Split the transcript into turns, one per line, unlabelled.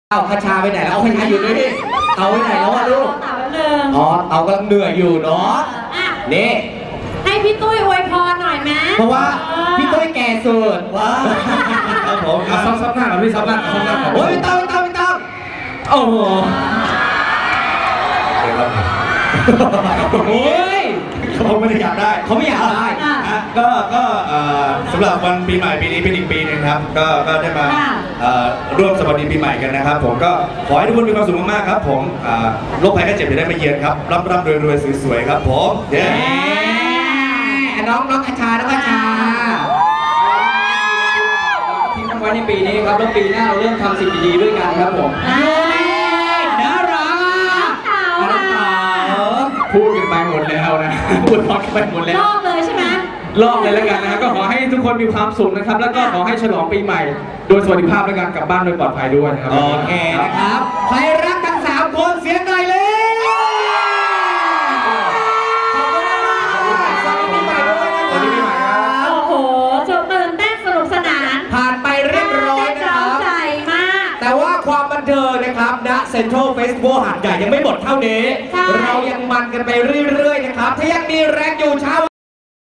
เอาคาชาไปไหนแล้วเอาคาชาอยู่ด้วยดิเอาไปไหนแล้ววะลูกอ๋อเอากำลังเหนื่อยอยู่เนาะนี่
ให้พี่ตุ้ยอวยพรหน่อยไหม
เพราะว่าพี่ตุ้ยแก่สุดว้า
ครับผมซับหน้าก่อนพี่ซับหน้าก่อน
โอ้ยไม่ต้องโอ้โหโอ้ย
เขาไม่ได้อยากได้
เขาไม่อยากได้
ก็สำหรับวันปีใหม่ปีนี้เป็นอีกปีนึงครับก็ได้มาร่วมสวัสดีปีใหม่กันนะครับผมก็ขอให้ทุกคนมีความสุขมากๆครับผมโรคภัยไข้เจ็บจะได้ไม่เยือนครับร่ำรวยสวยๆครับผมเย้
น้องคาชาน้องคาชา
ที่ทำไว้ในปีนี้ครับแล้วปีหน้าเราเริ่มทำสิ่งดีๆด้วยกันครับผม
น่ารัก
พูดกันไปหมดแล้วนะพูดพอกันไปหมดแล้ว
ลอกเลยใช่ไหม
ลอกเลยแล้วกันนะก็ขอให้ทุกคนมีความสุขนะครับแล้วก็ขอให้ฉลองปีใหม่โดยสวัสดิภาพและการกลับบ้านโดยปลอดภัยด้วยนะครับ
โอเคนะครับใครรักทั้ง3คนเสียงหน่อยเลย
โอ้โหตื่นเต้นสนุกสนาน
ผ่านไปเรียบร้อยนะครับ
ใจมาก
แต่ว่าความบันเทิงนะครับณเซ็นทรัลเฟสติวัลหาดใหญ่ยังไม่หมดเท่านี้เรายังมันกันไปเรื่อยๆนะครับถ้ายังมีแรงอยู่เช้า